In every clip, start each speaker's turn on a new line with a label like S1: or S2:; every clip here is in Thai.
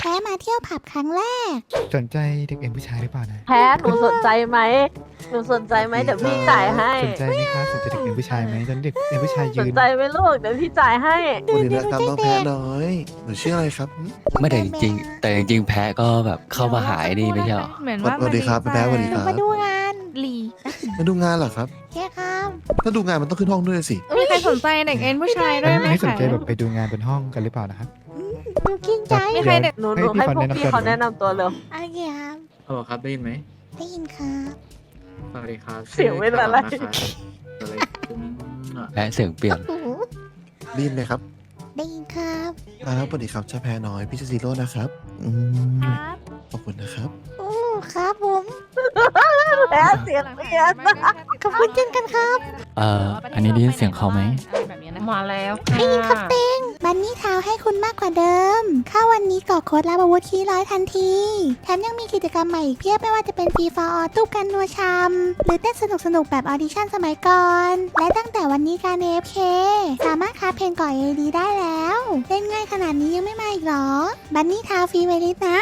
S1: พ้มาเที่ยวผับครั้งแรก
S2: สนใจเด็กเอ็นผู้ชายหรือเปล่านะ
S3: แพ้หนูสนใจไหมเดี๋ยวพี่จ่ายให้
S2: สนใจไหมคะสนใจเด็กเอ็นผู้ชายไหมตอนนเด็กเอ็นผู้ชาย
S3: ส
S2: ยื
S3: น
S2: น
S3: ใจไหมลูกเดี๋ยวพี่จ่ายให้
S4: สวัสดีนะครับน้องแพ้น้อยหนูชื่ออะไรครับหึ
S5: ไม่แต่จริงๆแต่จริงๆแพ้ก็แบบเข้ามาหายนี่ไม่ใช่หรอ
S6: เหมือนว่า
S4: สวัสดีครับแพ้สวัสดี
S1: หนู
S4: ครับ
S1: มาดูงานหลี
S4: มาดูงานเหรอครับ
S1: แค่ครับ
S4: ถ้าดูงานมันต้องขึ้นห้องด้วยสิ
S6: มีใครสนใจเด็กเอ็นผู้ชายด้วยไหม
S2: ไม่สน
S6: คะ
S2: ใจแบบไปดูงานบนห้องกันหรือเปล่านะครับ
S1: หนูกินใจ
S6: มีใครเด็ก
S3: หนูให้พวกพี่เขาแนะนำตัวเร็ว
S1: โอเคครับ
S7: ฮัลโหลครับได้ยินไหม
S1: ได้ยินครับ
S7: สวัสดีครับ
S3: เสียงเป็นอะไร
S7: ชื่คาร์ลนะครับอะไรขึ้นอ่ะ
S5: แพ้เสียงเปลี่ยน
S1: โอ้โห
S4: ได้ยินไหมครับ
S1: ได้ยินครับ
S4: ครับสวัสดีครับเจ้าแพ้น้อยพี่ชื่อซีโร่นะครับขอบคุณนะครับ
S1: โอ้ครับผม
S3: แพ้เสียงเปลี่ยน
S1: ขอบคุณเช่นกันครับ
S5: อันนี้ได้ยินเสียงเขาไหม
S6: มาแล้ว
S1: ได้ยินครับเต็งบันนี่เท้าให้คุณมากกว่าเดิมเข้าวันนี้กรอกโค้ดรับอาวุธที่100ทันทีแถมยังมีกิจกรรมใหม่อีกเพียบไม่ว่าจะเป็นฟรีฟอร์ออตู้กันนัวชามหรือเต้นสนุกๆแบบออดิชั่นสมัยก่อน และตั้งแต่วันนี้การ AFK สามารถคราฟเพลงก่อ AD ได้แล้วเล่นง่ายขนาดนี้ยังไม่มาอีกเหรอบันนี่เท้าฟรีไวลิสนะ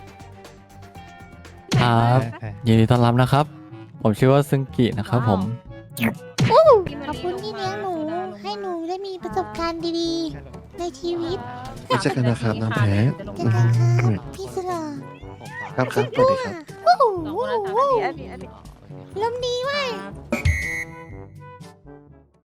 S5: ครับยินดีต้อนรับนะครับ ผมชื่อว่าซึงกินะครับผม
S1: ขอบคุณที่เลี้ยงหนู ให้หนูได้มีประสบการณ์ดีๆ ในชีวิต
S4: ไม่ใช่กันนะครับน้องแพ้
S1: เจอกันครับพี่สุดหล่อ
S4: ครับครับสวัสดีครับ
S1: โอ้โห
S3: อันนี้
S1: ลมดีเว้ย